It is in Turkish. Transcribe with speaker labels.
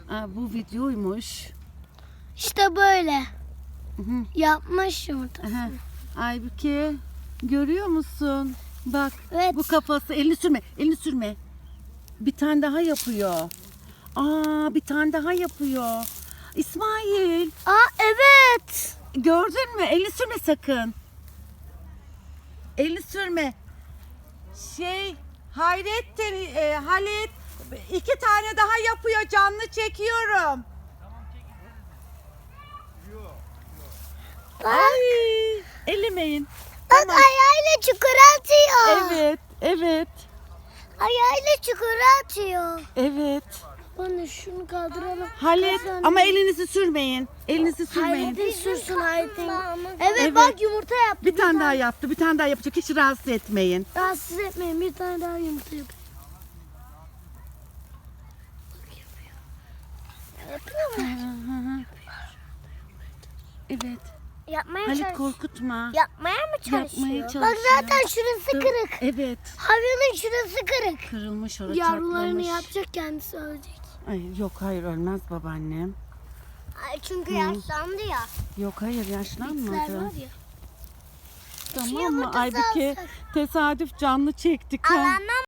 Speaker 1: Bu videoymuş.
Speaker 2: İşte böyle.
Speaker 1: Hı hı.
Speaker 2: Yapmış yumurtasını.
Speaker 1: Aha. Aybüke görüyor musun? Bak
Speaker 2: Evet.
Speaker 1: bu kafası, elini sürme, elini sürme. Bir tane daha yapıyor. Bir tane daha yapıyor. İsmail
Speaker 2: Evet.
Speaker 1: gördün mü? Elini sürme sakın. Elini sürme. Hayrettin, Halit 2 tane daha yapıyor, canlı çekiyorum.
Speaker 2: Bak.
Speaker 1: Ay, ellemeyin.
Speaker 2: Bak
Speaker 1: Tamam.
Speaker 2: ayağıyla çukura atıyor.
Speaker 1: Evet, evet,
Speaker 2: Ayağıyla çukura atıyor.
Speaker 1: evet.
Speaker 2: Bana şunu kaldıralım.
Speaker 1: Halit ama elinizi sürmeyin. Elinizi sürmeyin.
Speaker 2: Hayrettin sürsün Hayrettin. Evet,
Speaker 1: Evet.
Speaker 2: bak yumurta yaptı.
Speaker 1: Bir tane daha yaptı, bir tane daha yapacak. Hiç rahatsız etmeyin.
Speaker 2: Rahatsız etmeyin, bir tane daha yumurta yapıyor. Yapıyor mu?
Speaker 1: Evet.
Speaker 2: Yapmaya
Speaker 1: Halit
Speaker 2: çalışıyor.
Speaker 1: korkutma.
Speaker 2: Yapmaya mı çalışıyor?
Speaker 1: Yapmaya
Speaker 2: Bak
Speaker 1: çalışıyor.
Speaker 2: zaten şurası kırık.
Speaker 1: Evet.
Speaker 2: Hayvanın şurası kırık.
Speaker 1: Kırılmış orası,
Speaker 2: Yavrularını
Speaker 1: çatlamış.
Speaker 2: yapacak, kendisi ölecek.
Speaker 1: Ay, yok hayır ölmez babaannem.
Speaker 2: Çünkü yaşlandı ya.
Speaker 1: Yok hayır
Speaker 2: Bitler
Speaker 1: yaşlanmadı.
Speaker 2: var ya.
Speaker 1: Tamam mı
Speaker 2: yumurtası
Speaker 1: Aybüke?
Speaker 2: alsak.
Speaker 1: Tesadüf canlı çektik ha.
Speaker 2: Alandan